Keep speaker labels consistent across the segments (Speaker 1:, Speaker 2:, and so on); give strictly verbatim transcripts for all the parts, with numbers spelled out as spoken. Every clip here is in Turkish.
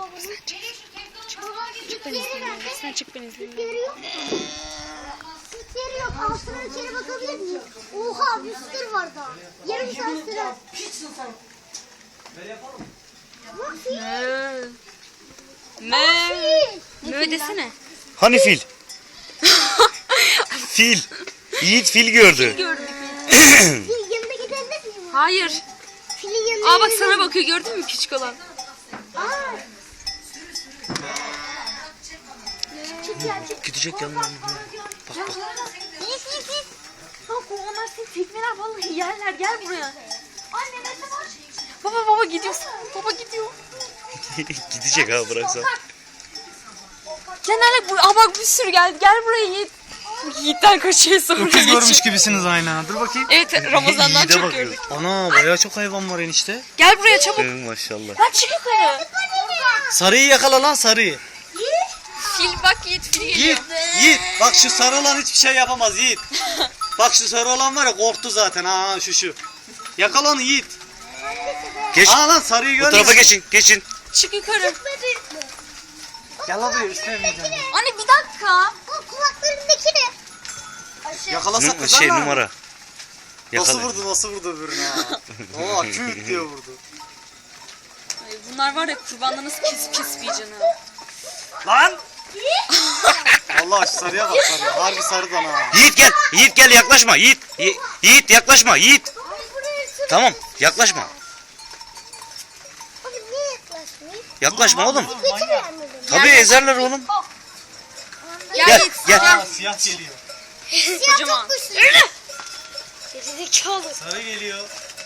Speaker 1: baba bunu.
Speaker 2: Çık ben
Speaker 1: Yeri
Speaker 2: izleyeyim.
Speaker 1: nerede?
Speaker 2: Sen çık ben izleyeyim.
Speaker 1: Yeri yok. Süt yeri yok. Altına içeri bakabilir miyim? Oha bir sürü var daha. Yarım saat sürer. Bak fil.
Speaker 2: Me.
Speaker 1: Fil.
Speaker 2: Me desene.
Speaker 3: Hani fil? Fil. Yiğit fil gördü.
Speaker 2: Gördük.
Speaker 1: Fil yanına gidebilir miyim?
Speaker 2: Hayır.
Speaker 1: Filin yanına
Speaker 2: Aa bak
Speaker 1: gidebilir
Speaker 2: sana
Speaker 1: miyim?
Speaker 2: bakıyor, gördün mü küçük olan?
Speaker 1: Aa. Çık ya çık.
Speaker 3: Gidecek yanına.
Speaker 2: Gel. Yiğit yiğit yiğit. Bak onlar seni tekmeler vallahi yerler, gel buraya.
Speaker 1: Anne ne var?
Speaker 2: Baba baba gidiyorsun. Baba gidiyor.
Speaker 3: Gidecek ha bıraksan.
Speaker 2: Genelde bu, aa bak bir sürü geldi. Gel buraya Yiğit. Yiğit'ten kaçıyor sonra
Speaker 4: Öküz görmüş
Speaker 2: geçiyor.
Speaker 4: gibisiniz aynen. Dur bakayım.
Speaker 2: Evet Ramazan'dan
Speaker 3: Yiğit'e
Speaker 2: çok
Speaker 3: bakıyor.
Speaker 2: gördük.
Speaker 4: Ana bayağı çok hayvan var enişte.
Speaker 2: Gel buraya çabuk.
Speaker 3: Ee, maşallah.
Speaker 2: Lan çık yukarı.
Speaker 4: Sarıyı yakala lan sarıyı.
Speaker 2: Fil bak Yiğit, fil geliyor.
Speaker 4: Yiğit, Yiğit. Bak şu sarı olan hiçbir şey yapamaz Yiğit. Bak şu sarı olan var ya korktu zaten ha şu şu. Yakala onu Yiğit.
Speaker 3: Geç.
Speaker 4: Aa lan sarıyı
Speaker 3: Bu
Speaker 4: görmüyor
Speaker 3: tarafa
Speaker 4: musun?
Speaker 3: geçin. Geçin.
Speaker 2: Çık yukarı.
Speaker 4: Gel abi üstlemeyeceğim.
Speaker 2: Anne bir dakika.
Speaker 1: O kulaklarındaki ne?
Speaker 4: Yakalasak
Speaker 3: Nu-
Speaker 4: kızar
Speaker 3: şey
Speaker 4: mı?
Speaker 3: numara.
Speaker 4: Nasıl
Speaker 3: Yakala.
Speaker 4: vurdu nasıl vurdu öbürüne ha. Oo küt diye vurdu.
Speaker 2: Ay, bunlar var ya kurbanla nasıl pis pis bir canı.
Speaker 4: Lan! Allah şu sarıya bak sarı. Harbi sarıdan ha.
Speaker 3: Yiğit gel. Yiğit gel yaklaşma. Yiğit. Yi- Yiğit yaklaşma. Yiğit.
Speaker 1: Ay buraya sür.
Speaker 3: Tamam yaklaşma.
Speaker 1: Oğlum niye yaklaşmayayım?
Speaker 3: Yaklaşma oğlum.
Speaker 1: Götürüyor mu beni?
Speaker 3: Tabii ezerler oğlum.
Speaker 2: Gel
Speaker 3: Gel
Speaker 2: Yiğit.
Speaker 3: gel.
Speaker 4: Aa siyah geliyor.
Speaker 1: Siyah
Speaker 2: Kocaman.
Speaker 1: çok güçlü. Gerizekalı.
Speaker 4: Sarı geliyor.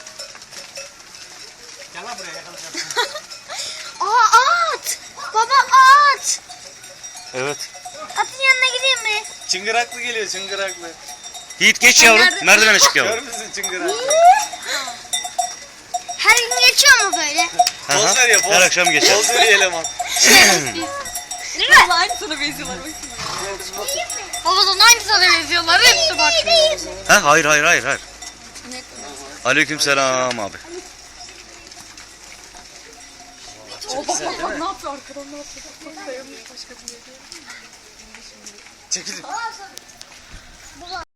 Speaker 4: Gel lan buraya yakalayacaksın.
Speaker 1: Aa at. Baba at.
Speaker 3: Evet.
Speaker 1: Atın yanına gideyim mi?
Speaker 4: Çıngıraklı geliyor çıngıraklı.
Speaker 3: Yiğit geç yavrum.
Speaker 2: nerede-
Speaker 3: Merdivene çık yavrum.
Speaker 4: Görmüşsün çıngıraklı.
Speaker 1: Her gün geçiyor mu böyle?
Speaker 3: Aha,
Speaker 4: Poz veriyor poz.
Speaker 3: Her akşam geçer.
Speaker 4: Poz veriyor eleman.
Speaker 2: Vallahi aynı sana benziyorlar. Babadan aynı sana benziyorlar. Hepsi bak.
Speaker 3: Ha hayır hayır hayır hayır. Aleykümselam abi.
Speaker 2: O bak bak bak ne yapıyor arkadan, ne yapıyor? Bak dayanmış başka bir yere.
Speaker 4: Çekilin.